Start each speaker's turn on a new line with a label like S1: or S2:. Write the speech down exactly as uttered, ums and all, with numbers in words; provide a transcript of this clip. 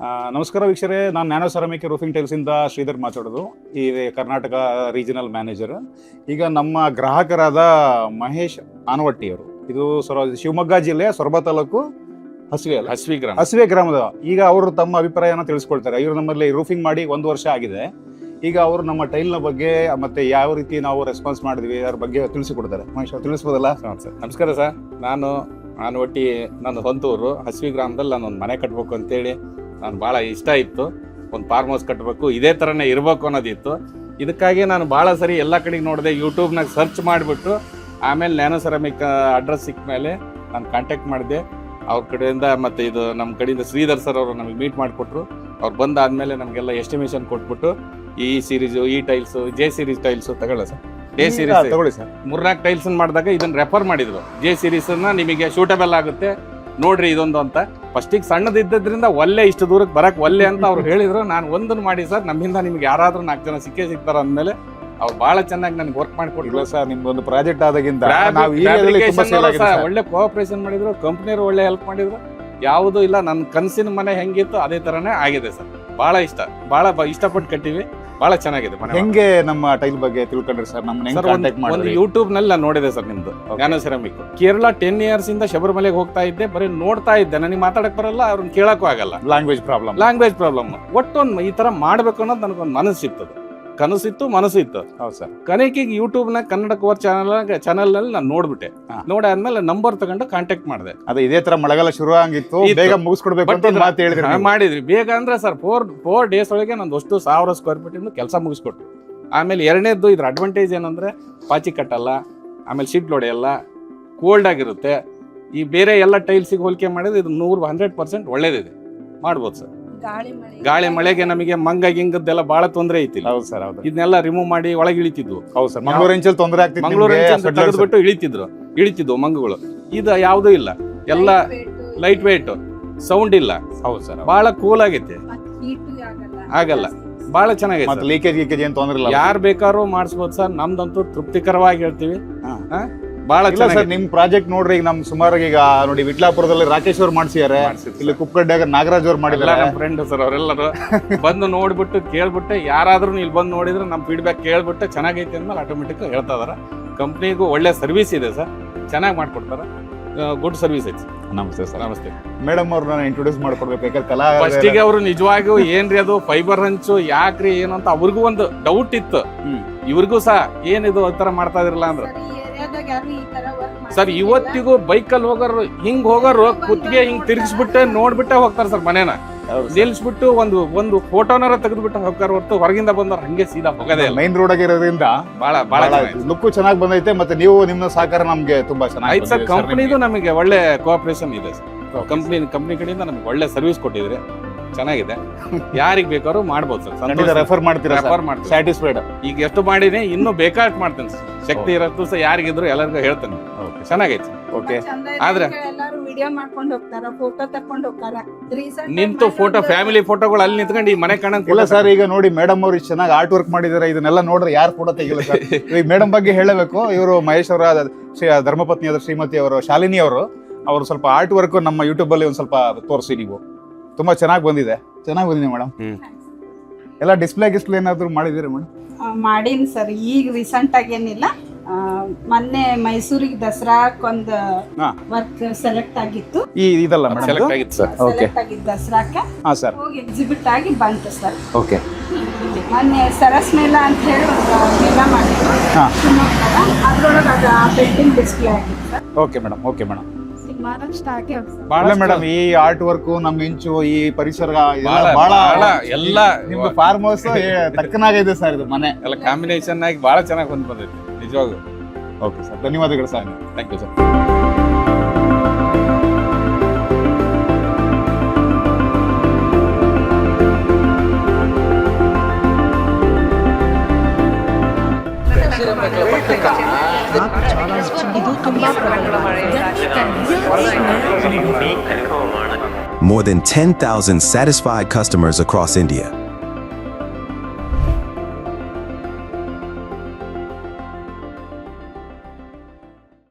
S1: ನಮಸ್ಕಾರ ವೀಕ್ಷರೇ, ನಾನು ನ್ಯಾನೋ ಸೆರಾಮಿಕ್ ರೂಫಿಂಗ್ ಟೈಲ್ಸಿಂದ ಶ್ರೀಧರ್ ಮಾತಾಡೋದು, ಈ ಕರ್ನಾಟಕ ರೀಜನಲ್ ಮ್ಯಾನೇಜರ್. ಈಗ ನಮ್ಮ ಗ್ರಾಹಕರಾದ ಮಹೇಶ್ ಆನವಟ್ಟಿಯವರು, ಇದು ಸೊರ ಶಿವಮೊಗ್ಗ ಜಿಲ್ಲೆಯ ಸೊರಬ ತಾಲೂಕು ಹಸಿವೆ ಅಲ್ಲ
S2: ಹಸಿವೆ ಗ್ರಾಮ
S1: ಹಸಿವೆ ಗ್ರಾಮದ. ಈಗ ಅವರು ತಮ್ಮ ಅಭಿಪ್ರಾಯನ ತಿಳಿಸ್ಕೊಳ್ತಾರೆ. ಇವರು ನಮ್ಮಲ್ಲಿ ರೂಫಿಂಗ್ ಮಾಡಿ ಒಂದು ವರ್ಷ ಆಗಿದೆ. ಈಗ ಅವರು ನಮ್ಮ ಟೈಲ್ನ ಬಗ್ಗೆ ಮತ್ತೆ ಯಾವ ರೀತಿ ನಾವು ರೆಸ್ಪಾನ್ಸ್ ಮಾಡಿದ್ವಿ ಅದ್ರ ಬಗ್ಗೆ ತಿಳಿಸಿಕೊಡ್ತಾರೆ. ಮಹೇಶ್ ಅವ್ರು ತಿಳಿಸ್ಬೋದಲ್ಲ?
S2: ಸರ್ ನಮಸ್ಕಾರ ಸರ್. ನಾನು ನಾನು ಒಟ್ಟಿ ನನ್ನ ಸ್ವಂತೂರು ಹಸಿವೆ ಗ್ರಾಮದಲ್ಲಿ ನಾನು ಒಂದು ಮನೆ ಕಟ್ಟಬೇಕು ಅಂತೇಳಿ ನಾನು ಭಾಳ ಇಷ್ಟ ಇತ್ತು. ಒಂದು ಫಾರ್ಮ್ ಹೌಸ್ ಕಟ್ಟಬೇಕು, ಇದೇ ಥರನೇ ಇರಬೇಕು ಅನ್ನೋದಿತ್ತು. ಇದಕ್ಕಾಗಿ ನಾನು ಭಾಳ ಸರಿ ಎಲ್ಲ ಕಡೆಗೆ ನೋಡಿದೆ, ಯೂಟ್ಯೂಬ್ನಾಗ ಸರ್ಚ್ ಮಾಡಿಬಿಟ್ಟು ಆಮೇಲೆ ನ್ಯಾನೋ ಸೆರಾಮಿಕ್ ಅಡ್ರೆಸ್ ಸಿಕ್ಕ ಮೇಲೆ ನಾನು ಕಾಂಟ್ಯಾಕ್ಟ್ ಮಾಡಿದೆ ಅವ್ರ ಕಡೆಯಿಂದ. ಮತ್ತು ಇದು ನಮ್ಮ ಕಡೆಯಿಂದ ಶ್ರೀಧರ್ ಸರ್ ಅವರು ನಮಗೆ ಮೀಟ್ ಮಾಡಿಕೊಟ್ರು. ಅವ್ರು ಬಂದಾದಮೇಲೆ ನಮಗೆಲ್ಲ ಎಸ್ಟಿಮೇಷನ್ ಕೊಟ್ಬಿಟ್ಟು ಈ ಸೀರೀಸು, ಈ ಟೈಲ್ಸು, ಜೆ ಸೀರೀಸ್ ಟೈಲ್ಸು ತಗೊಳ್ಳ ಸರ್. ಜೆ ಸೀರೀಸ್
S1: ತಗೊಳ್ಳಿ ಸರ್.
S2: ಮೂರ್ನಾಲ್ಕು ಟೈಲ್ಸ್ ಮಾಡಿದಾಗ ಇದನ್ನು ರೆಫರ್ ಮಾಡಿದ್ರು. ಜೆ ಸೀರೀಸನ್ನ ನಿಮಗೆ ಶೂಟಬಲ್ ಆಗುತ್ತೆ ನೋಡ್ರಿ ಇದೊಂದು ಅಂತ. ಫಸ್ಟಿಗೆ ಸಣ್ಣದಿದ್ದರಿಂದ ಒಲ್ಲೆ ಇಷ್ಟು ದೂರಕ್ಕೆ ಬರಕ್ಕೆ ಒಲ್ಲೆ ಅಂತ ಅವ್ರು ಹೇಳಿದ್ರು. ನಾನು ಒಂದನ್ನು ಮಾಡಿ ಸರ್, ನಮ್ಮಿಂದ ನಿಮ್ಗೆ ಯಾರಾದ್ರೂ ನಾಲ್ಕು ಜನ ಸಿಕ್ಕೇ ಸಿಗ್ತಾರ ಅಂದಮೇಲೆ ಅವ್ರು ಬಹಳ ಚೆನ್ನಾಗಿ ನನಗೆ ವರ್ಕ್ ಮಾಡಿಕೊಟ್ಟಿಲ್ಲ
S1: ಸರ್. ನಿಮ್ದೊಂದು ಪ್ರಾಜೆಕ್ಟ್ ಆದಾಗಿಂದ
S2: ಒಳ್ಳೆ ಕೋಆಪರೇಷನ್ ಮಾಡಿದ್ರು, ಕಂಪ್ನಿಯವರು ಒಳ್ಳೆ ಹೆಲ್ಪ್ ಮಾಡಿದ್ರು. ಯಾವುದೂ ಇಲ್ಲ, ನನ್ನ ಕನಸಿನ ಮನೆ ಹೆಂಗಿತ್ತು ಅದೇ ತರನೇ ಆಗಿದೆ ಸರ್. ಬಹಳ ಇಷ್ಟ, ಬಹಳ ಇಷ್ಟಪಟ್ಟು ಕಟ್ಟಿವಿ, ಬಹಳ ಚೆನ್ನಾಗಿದೆ ಮನೆ.
S1: ಹೆಂಗೆ ನಮ್ಮ ಟೈಲ್ ಬಗ್ಗೆ ತಿಳ್ಕೊಂಡ್ರಿ ಸರ್? ನಮ್ಮ
S2: ಒಂದು ಯೂಟ್ಯೂಬ್ ನಲ್ಲಿ ನಾನು ನೋಡಿದೆ ಸರ್ ನಿಮ್ದು nano ceramic. Kerala ten years ಇಂದ ಶಬರಿಮಲೆಗೆ ಹೋಗ್ತಾ ಇದ್ದೆ, ಬರೀ ನೋಡ್ತಾ ಇದ್ದೆ. ನನಗೆ ಮಾತಾಡಕ್ ಬರಲ್ಲ, ಅವ್ರನ್ನ ಕೇಳಕ್ಕೂ ಆಗಲ್ಲ,
S1: ಲ್ಯಾಂಗ್ವೇಜ್ ಪ್ರಾಬ್ಲಮ್
S2: ಲ್ಯಾಂಗ್ವೇಜ್ ಪ್ರಾಬ್ಲಮ್. ಒಟ್ಟೊಂದು ಈ ತರ ಮಾಡ್ಬೇಕು ಅನ್ನೋದು ನನಗೊಂದು ಮನಸ್ಸಿತ್ತು, ಕನಸಿತ್ತು, ಮನಸ್ಸಿತ್ತು.
S1: ಹೌದು ಸರ್.
S2: ಕನೆಕಿಗೆ ಯೂಟ್ಯೂಬ್ ನ ಕನ್ನಡ ಕೋರ್ ಚಾನಲ್ ಚಾನಲ್ ನಲ್ಲಿ ನಾನು ನೋಡ್ಬಿಟ್ಟೆ. ನೋಡಾದ್ಮೇಲೆ ನಂಬರ್ ತಗೊಂಡು ಕಾಂಟ್ಯಾಕ್ಟ್ ಮಾಡಿದೆ.
S1: ಅದೇ ಇದೇ ತರ ಮಳೆಗಾಲ ಶುರು ಆಗಿತ್ತು, ಬೇಗ ಮುಗಿಸ್ಕೊಡ್ಬೇಕು ಅಂತ ಮಾತು ಹೇಳಿದ್ರಿ.
S2: ಮಾಡಿದ್ರಿ ಬೇಗ ಅಂದ್ರೆ ಸರ್ ಫೋರ್ ಫೋರ್ ಡೇಸ್ ಒಳಗೆ ನಂದು ಅಷ್ಟು ಸಾವಿರ ಸ್ಕ್ವೇರ್ ಫೀಟ್ ಇಂದ ಕೆಲಸ ಮುಗಿಸ್ಕೊಟ್ರು. ಆಮೇಲೆ ಎರಡನೇದ್ದು ಇದ್ರ ಅಡ್ವಾಂಟೇಜ್ ಏನಂದ್ರೆ ಪಾಚಿ ಕಟ್ಟಲ್ಲ, ಆಮೇಲೆ ಶೀಟ್ ಹೊಡೆಯಲ್ಲ, ಕೋಲ್ಡ್ ಆಗಿರುತ್ತೆ. ಈ ಬೇರೆ ಎಲ್ಲ ಟೈಲ್ಸಿಗೆ ಹೋಲಿಕೆ ಮಾಡಿದ್ರೆ ಇದು ನೂರು ಹಂಡ್ರೆಡ್ ಪರ್ಸೆಂಟ್ ಒಳ್ಳೇದಿದೆ, ಮಾಡ್ಬೋದು ಸರ್. ಗಾಳಿ ಮಳೆಗೆ ನಮಗೆ ಮಂಗ ಗಿಂಗದ್ದೆಲ್ಲ ಬಹಳ ತೊಂದರೆ ಐತಿಲ್ಲ.
S1: ಹೌದು ಸರ್. ಹೌದು,
S2: ಇದನ್ನೆಲ್ಲ ರಿಮೂವ್ ಮಾಡಿ ಒಳಗೆ ಇಳಿತಿದ್ವು.
S1: ಹೌದು ಸರ್. ಮಂಗಳೂರು ಎಂಚಲ್ಲಿ ತೊಂದರೆ ಆಗ್ತಿತ್ತು,
S2: ಮಂಗಳೂರು ತೆಗೆದ್ಬಿಟ್ಟು ಇಳಿತಿದ್ರು ಇಳಿತಿದ್ವು ಮಂಗಗಳು. ಇದು ಯಾವುದೂ ಇಲ್ಲ, ಎಲ್ಲ ಲೈಟ್ ವೇಟ್, ಸೌಂಡ್ ಇಲ್ಲ.
S1: ಹೌದು ಸರ್.
S2: ಬಹಳ ಕೂಲ್ ಆಗೈತೆ, ಆಗಲ್ಲ, ಬಹಳ ಚೆನ್ನಾಗೈತೆ.
S1: ಲೀಕೇಜ್ ಗೀಕೇಜ್ ಏನ್ ತೊಂದರೆ ಇಲ್ಲ,
S2: ಯಾರು ಬೇಕಾದ್ರೂ ಮಾಡಿಸ್ಬೋದು ಸರ್. ನಮ್ದಂತೂ ತೃಪ್ತಿಕರವಾಗಿ ಹೇಳ್ತೀವಿ. ಬಹಳ
S1: ಸರ್. ನಿಮ್ ಪ್ರಾಜೆಕ್ಟ್ ನೋಡ್ರಿ, ಈಗ ನಮ್ ಸುಮಾರು ಈಗ ನೋಡಿ ವಿಟ್ಲಾಪುರದಲ್ಲಿ ರಾಕೇಶ್ ಅವ್ರು ಮಾಡ್ಸಿದ್ದಾರೆ, ಇಲ್ಲಿ ಕುಪ್ಪಗಡ್ಡೆಯಾಗ ನಾಗರಾಜ್ ಅವ್ರು ಮಾಡಿದ್ದಾರೆ.
S2: ನಮ್ಮ ಫ್ರೆಂಡ್ ಸರ್ ಅವರೆಲ್ಲರೂ ಬಂದು ನೋಡ್ಬಿಟ್ಟು ಕೇಳ್ಬಿಟ್ಟು, ಯಾರಾದ್ರೂ ಇಲ್ಲಿ ಬಂದು ನೋಡಿದ್ರೆ ನಮ್ಮ ಫೀಡ್ಬ್ಯಾಕ್ ಕೇಳ್ಬಿಟ್ಟು ಚೆನ್ನಾಗೈತೆ ಅಂದ್ಮೇಲೆ ಆಟೋಮೆಟಿಕ್ ಹೇಳ್ತಾ ಇದಾರೆ. ಕಂಪ್ನಿಗೂ ಒಳ್ಳೆ ಸರ್ವಿಸ್ ಇದೆ ಸರ್, ಚೆನ್ನಾಗಿ ಮಾಡ್ಕೊಡ್ತಾರೆ, ಗುಡ್ ಸರ್ವಿಸ್ ಐತಿ.
S1: ನಮಸ್ತೆ ಸರ್.
S2: ನಮಸ್ತೆ
S1: ಮೇಡಮ್ ಅವ್ರನ್ನ ಇಂಟ್ರೊಡ್ಯೂಸ್ ಮಾಡ್ಕೊಡ್ಬೇಕು. ಯಾಕಂದ್ರೆ ಕಲಾ
S2: ಫಸ್ಟಿಗೆ ಅವರು ನಿಜವಾಗಿಯೂ ಏನ್ರಿ ಅದು ಫೈಬರ್ ಹಂಚು ಯಾಕ್ರಿ ಏನು ಅಂತ ಅವ್ರಿಗೂ ಒಂದು ಡೌಟ್ ಇತ್ತು. ಇವ್ರಿಗೂ ಸಹ ಏನಿದು ಆ ತರ ಮಾಡ್ತಾ ಇದ್ರಲ್ಲ ಅಂದ್ರೆ ಸರ್, ಇವತ್ತಿಗೂ ಬೈಕಲ್ಲಿ ಹೋಗೋರು ಹಿಂಗ್ ಹೋಗೋರು ಕುತ್ತಿಗೆ ಹಿಂಗ್ ತಿರ್ಗಿಸ್ಬಿಟ್ಟೆ ನೋಡ್ಬಿಟ್ಟೆ ಹೋಗ್ತಾರ ಸರ್. ಮನೇನ ನಿಲ್ಸ್ಬಿಟ್ಟು ಒಂದು ಒಂದು ಫೋಟೋನಾರ ತೆಗೆದ್ಬಿಟ್ಟು ಹೋಗ್ತಾರ ಹೊರತು ಹೊರಗಿಂದ ಬಂದವ್ರು ಹಂಗೆ ಸೀದಾ ಹೋಗೋದೇ ಇಲ್ಲ.
S1: ಮೈನ್ ರೋಡ್ ಆಗಿರೋದ್ರಿಂದ
S2: ಬಹಳ ಬಹಳ
S1: ಲುಕ್ ಚೆನ್ನಾಗಿ ಬಂದೈತೆ. ಮತ್ತೆ ನೀವು ನಿಮ್ಮ ಸಹಕಾರ ನಮ್ಗೆ ತುಂಬಾ ಚೆನ್ನಾಗಿ
S2: ಸರ್. ಕಂಪ್ನಿದು ನಮಗೆ ಒಳ್ಳೆ ಕೋಆಪರೇಷನ್ ಇದೆ ಸರ್. ಕಂಪ್ನಿ ಕಂಪ್ನಿ ಕಡೆಯಿಂದ ನಮಗೆ ಒಳ್ಳೆ ಸರ್ವಿಸ್ ಕೊಟ್ಟಿದ್ರೆ ಚೆನ್ನಾಗಿದೆ. ಯಾರಿಗ್ ಬೇಕಾದ್ರೂ ಮಾಡ್ಬೋದು ಸರ್.
S1: ರೆಫರ್ ಮಾಡ್ತೀರಾ?
S2: ರೆಫರ್ ಮಾಡ್ತೀವಿ.
S1: ಸ್ಯಾಟಿಸ್ಫೈಡ್.
S2: ಈಗ ಎಷ್ಟು ಮಾಡಿನಿ, ಇನ್ನೂ ಬೇಕಾಷ್ಟು ಮಾಡ್ತೇನೆ ಸರ್. ಶಕ್ತಿ ಇರತ್ತು ಸರ್, ಯಾರಿಗಿದ್ರು ಎಲ್ಲರಿಗೂ ಹೇಳ್ತೇನೆ. ಚೆನ್ನಾಗೈತಿ.
S1: ಓಕೆ.
S2: ಆದ್ರೆ
S3: ವಿಡಿಯೋ ಮಾಡ್ಕೊಂಡು ಹೋಗ್ತಾರ, ಫೋಟೋ ತಕೊಂಡು ಹೋಗ್ತಾರ.
S2: ನಿಂತು ಫೋಟೋ, ಫ್ಯಾಮಿಲಿ ಫೋಟೋಗಳು ಅಲ್ಲಿ ನಿಂತ್ಕೊಂಡು ಈ ಮನೆ ಕಾಣಂಗ್
S1: ಇಲ್ಲ ಸರ್. ಈಗ ನೋಡಿ ಮೇಡಮ್ ಅವ್ರು ಇಷ್ಟು ಚೆನ್ನಾಗಿ ಆರ್ಟ್ ವರ್ಕ್ ಮಾಡಿದಾರೆ, ಇದನ್ನೆಲ್ಲ ನೋಡ್ರೆ ಯಾರು ಫೋಟೋ ತೆಗಿಲ್ಲ ಸರ್. ಈಗ ಮೇಡಮ್ ಬಗ್ಗೆ ಹೇಳಬೇಕು. ಇವರು ಮಹೇಶ್ ಅವರ ಧರ್ಮಪತ್ನಿಯಾದ ಶ್ರೀಮತಿ ಅವರು, ಶಾಲಿನಿ ಅವರು, ಅವರು ಸ್ವಲ್ಪ ಆರ್ಟ್ ವರ್ಕ್ ನಮ್ಮ ಯೂಟ್ಯೂಬ್ ಅಲ್ಲಿ ಒಂದ್ ಸ್ವಲ್ಪ ತೋರಿಸಿ. ನೀವು ತುಂಬಾ ಚೆನ್ನಾಗಿ ಬಂದಿದೆ, ಚೆನ್ನಾಗಿ ಬಂದಿದೆ ಮೇಡಮ್. ಎಲ್ಲ ಡಿಸ್ಪ್ಲೇ ಗಿಸ್ಪ್ಲೇ ಏನಾದ್ರು ಮಾಡಿದಿರಿ ಮೇಡಮ್?
S3: ಮಾಡೀನಿ ಸರ್. ಈಗ ರೀಸೆಂಟ್ ಆಗಿ ಏನಿಲ್ಲ, ಮೊನ್ನೆ ಮೈಸೂರಿಗೆ ದಸರಾಕ್ಕೊಂದು ವರ್ಕ್ ಸೆಲೆಕ್ಟ್ ಆಗಿತ್ತು.
S1: ಈ ಇದಲ್ಲ ಮೇಡಮ್,
S2: ಸೆಲೆಕ್ಟ್ ಆಗಿತ್ತು ಸರ್.
S3: ಸೆಲೆಕ್ಟ್ ಆಗಿತ್ತು ದಸರಾಕ್ಕೆ.
S1: ಹಾ ಸರ್.
S3: ಹೋಗಿ ಎಕ್ಸಿಬಿಟ್ ಆಗಿ ಬಂತು ಸರ್.
S1: ಓಕೆ.
S3: ಮೊನ್ನೆ ಸರಸ್ ಮೇಳ ಅಂತ ಹೇಳಿ ಒಂದು ಮೇಳ ಮಾಡಿದ್ರು ಶಿವಮೊಗ್ಗದ, ಅದ್ರೊಳಗೆ ಅದು ಪೇಂಟಿಂಗ್ ಡಿಸ್ಪ್ಲೇ ಆಗಿತ್ತು sir.
S1: Okay madam. Okay madam.
S2: Madam
S1: ಈ ಆರ್ಟ್ ವರ್ಕ್, ನಮ್ ಇಂಚು, ಈ ಪರಿಸರ
S2: ಬಹಳ ಎಲ್ಲ
S1: ನಿಮ್ದು ಫಾರ್ಮ್ ಹೌಸ್ ತಕ್ಕನಾಗಿದೆ ಸರ್. ಇದು ಮನೆ
S2: ಎಲ್ಲ ಕಾಂಬಿನೇಷನ್ ಆಗಿ ಬಹಳ ಚೆನ್ನಾಗಿ ಬಂದ್ ಬಂದೈತಿ ನಿಜವಾಗ್ಲೂ.
S1: ಓಕೆ ಸರ್, ಧನ್ಯವಾದಗಳು sir.
S2: Thank you sir.
S4: More than ten thousand satisfied customers across India.